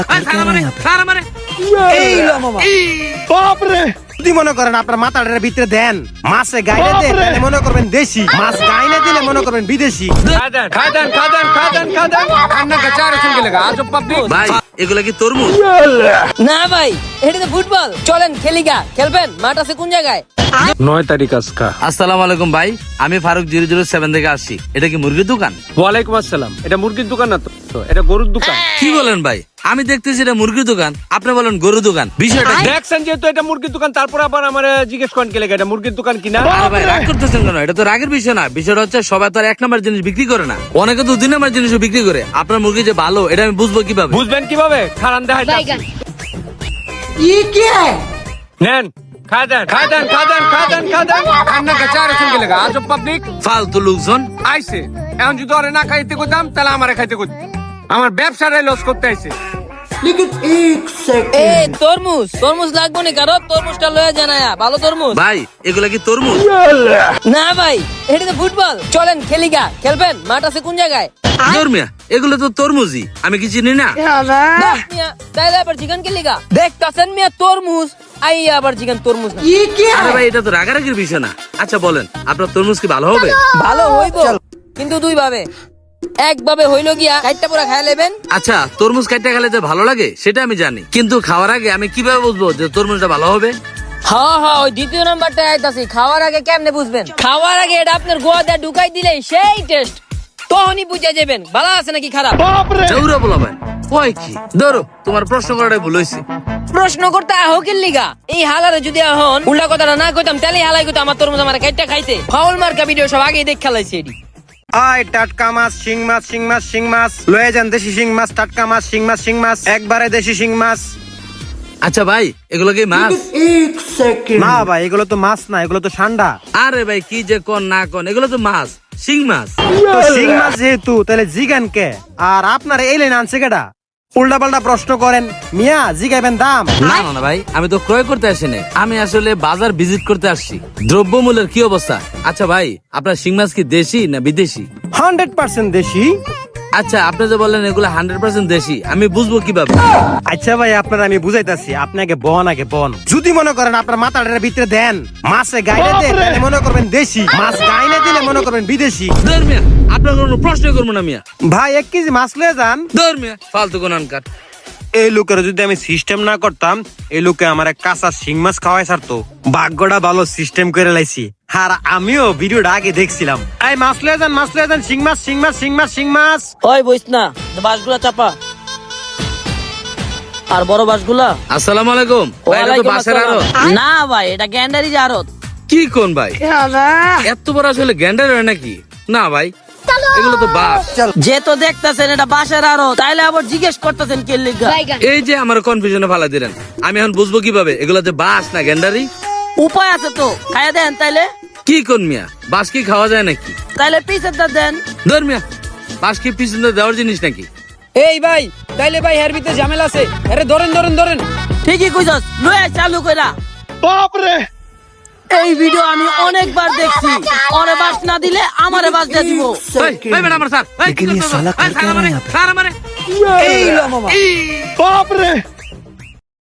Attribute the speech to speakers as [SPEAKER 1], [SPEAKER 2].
[SPEAKER 1] যদি মনে করেন আপনার মাথাটার ভিতরে দেন মাছে গাইলে দেন মনে করবেন দেশি, মাছ গাইলে দিলে মনে করবেন বিদেশি।
[SPEAKER 2] ভাই এগুলা কি তরমুজ?
[SPEAKER 3] না ভাই, এটা তো ফুটবল। চলেন খেলিগা। খেলবেন? মাঠ আছে কোন জায়গায়?
[SPEAKER 4] 9 তারিখ আজকা।
[SPEAKER 2] আসসালামু আলাইকুম ভাই, আমি ফারুক 007 থেকে আসছি। এটা কি মুরগির দোকান?
[SPEAKER 4] ওয়ালাইকুম আসসালাম। এটা মুরগির দোকান না তো, এটা গরুর দোকান।
[SPEAKER 2] কি বলেন ভাই? আমি দেখতেছি এটা মুরগির দোকান, আপনি বলেন গরুর দোকান। বিষয়টা কি?
[SPEAKER 4] দেখছেন যেহেতু এটা মুরগির দোকান, তারপর আবার আমার জিজ্ঞেস করেন কে লেগে এটা মুরগির দোকান কিনা।
[SPEAKER 2] আরে ভাই রাগ করতেছেন কেন? এটা তো রাগের বিষয় না। বিষয়টা হচ্ছে সবাই তো আর 1 নম্বর জিনিস বিক্রি করে না, অনেকে তো 2 নম্বর জিনিসও বিক্রি করে। আপনার মুরগি যে ভালো এটা আমি বুঝবো কিভাবে?
[SPEAKER 4] বুঝবেন কিভাবে? খারান দেখাই নেন, খা দেন খান্না কাছে আর কে লেগে আজব পাবলিক
[SPEAKER 2] ফালতু লোকজন।
[SPEAKER 4] আইছে। এখন যদি ওরে না খাইতে কইতাম তাহলে আমারে খাইতে কইতাম। আমার ব্যবসাটাই লস করতে আইছে।
[SPEAKER 3] এই তরমুজ লাগবো নি কারো? তরমুজটা লয়ে জানায়া, ভালো তরমুজ।
[SPEAKER 2] ভাই এগুলা কি তরমুজ?
[SPEAKER 3] না ভাই, এটা তো ফুটবল। চলেন খেলিগা। খেলবেন? মাঠ আছে কোন জায়গায়?
[SPEAKER 2] মিয়া এগুলো তো তরমুজই, আমি কি চিনি না?
[SPEAKER 3] বাহ মিয়া, তাইলে আবার চিকেন খেলিগা। দেখতাছেন মিয়া তরমুজ, আই আবার চিকেন তরমুজ না।
[SPEAKER 2] আরে ভাই এটা তো রাগারাগির বিষয় না। আচ্ছা বলেন আপনার তরমুজ কি ভালো হবে?
[SPEAKER 3] ভালো হইব, কিন্তু 2 ভাবে। একভাবে হইলো গিয়া কাইটটা পুরা খাইয়া লেবেন।
[SPEAKER 2] আচ্ছা তরমুজ কাটতে খেলে যে ভালো লাগে সেটা আমি জানি, কিন্তু খাওয়ার আগে আমি কিভাবে বুঝবো যে তরমুজটা ভালো হবে?
[SPEAKER 3] হ্যাঁ, ওই দ্বিতীয় নাম্বারটা আইতাছি। খাওয়ার আগে কেমনে বুঝবেন? খাওয়ার আগে এটা আপনার গোয়া দিয়ে ঢুকাই দিলেই সেই টেস্ট, তখনই বুঝে যাবেন ভালো আছে নাকি খারাপ।
[SPEAKER 2] জৌরা বলাবেন কয় কি? ধরো তোমার প্রশ্ন করাটাই ভুল হয়েছে।
[SPEAKER 3] প্রশ্ন করতে আহকির লিগা এই হালারে যদি এখন উল্টা কথাটা না কইতাম তাহলে হালাই কইতাম আমার তরমুজ আমার কাইটটা খাইতে। ফাউল মার্কা ভিডিও সব আগেই দেখ খেলাইছে এডি।
[SPEAKER 1] আয় টাটকা মাছ, শিং মাছ লয়ে যান। দেশি শিং মাছ, টাটকা মাছ, শিং মাছ একবারে দেশি শিং মাছ।
[SPEAKER 2] আচ্ছা ভাই এগুলো কি মাছ?
[SPEAKER 1] না ভাই এগুলো তো মাছ না, এগুলো তো ঠান্ডা।
[SPEAKER 2] আরে ভাই কি যে কোন না কোন, এগুলো তো মাছ, শিং মাছ।
[SPEAKER 1] তো শিং মাছ যেহেতু তাহলে জিগান কে? আর আপনার এই লাইন আনছে কেডা? উল্টা পাল্টা প্রশ্ন করেন মিয়া, জিগাইবেন দাম।
[SPEAKER 2] না না ভাই, আমি তো ক্রয় করতে আসিনি, আমি আসলে বাজার ভিজিট করতে আসছি। দ্রব্যমূল্যের কি অবস্থা? আচ্ছা ভাই আপনার শিং মাছ কি দেশি না বিদেশি?
[SPEAKER 1] 100% দেশি।
[SPEAKER 2] আচ্ছা আপনি যে বললেন এগুলো 100% দেশি, আমি বুঝবো কিভাবে?
[SPEAKER 1] আচ্ছা ভাই আপনার আমি বুঝাইতাছি, আপনি আগে বন। যদি মনে করেন আপনার মাথাটার ভিতরে দেন মাছে গাইলে দেন মনে করবেন দেশি, মাছ গাইলে দিলে মনে করবেন বিদেশি।
[SPEAKER 2] ধর মিয়া, আপনার কোনো প্রশ্ন করবো না মিয়া।
[SPEAKER 1] ভাই 1 কেজি মাছ লয়ে যান।
[SPEAKER 2] ধর মিয়া, ফালতু কোন আনকার।
[SPEAKER 1] এই লোকের যদি আমি সিস্টেম না করতাম, এই লোকে আমার কাঁচা শিং মাছ খাওয়াই ছাড়তো। ভাগ্যটা ভালো সিস্টেম করে লাইছি। আর আমিও ভিডিওটা আগে দেখছিলাম। এই মাছ লয়ে যান শিং মাছ।
[SPEAKER 3] ওই বইস না, বাসগুলা চাপা। আর বড় বাসগুলা।
[SPEAKER 2] আসসালামু আলাইকুম ভাই, এটা তো বাসের আড়ত।
[SPEAKER 3] না ভাই, এটা গ্যান্ডারি আড়ত।
[SPEAKER 2] কি কোন ভাই? এত বড় আসলে গ্যান্ডার হয় নাকি? না ভাই এগুলো তো বাস।
[SPEAKER 3] যে তো দেখতাছেন এটা বাসের আড়ত, তাইলে আবার জিজ্ঞেস করতেছেন কে লিগা?
[SPEAKER 2] এই যে আমার কনফিউশনে ফালা দিলেন, আমি এখন বুঝবো কিভাবে এগুলো যে বাস না গ্যান্ডারি?
[SPEAKER 3] উপায় আছে তো, খাইয়া দেন তাইলে।
[SPEAKER 2] কি কোন মিয়া, বাস কি খাওয়া যায় নাকি?
[SPEAKER 3] তাইলে পিছের দা দেন।
[SPEAKER 2] ধর মিয়া, বাস কি পিছনে দেওয়ার জিনিস নাকি?
[SPEAKER 5] এই ভাই, তাইলে ভাই এর ভিতরে ঝামেলা আছে। আরে ধরেন।
[SPEAKER 3] ঠিকই কইছস, লয়ে চালু কইরা।
[SPEAKER 1] বাপরে,
[SPEAKER 3] এই ভিডিও আমি অনেকবার দেখছি। ওরে বাস না দিলে আমারে বাস দিয়ে দিব।
[SPEAKER 2] ভাই ম্যাডাম আমার স্যার,
[SPEAKER 1] लेकिन ये साला कर क्या रहा है यहाँ पे?
[SPEAKER 2] স্যার আমারে
[SPEAKER 1] এই লো মামা, বাপরে।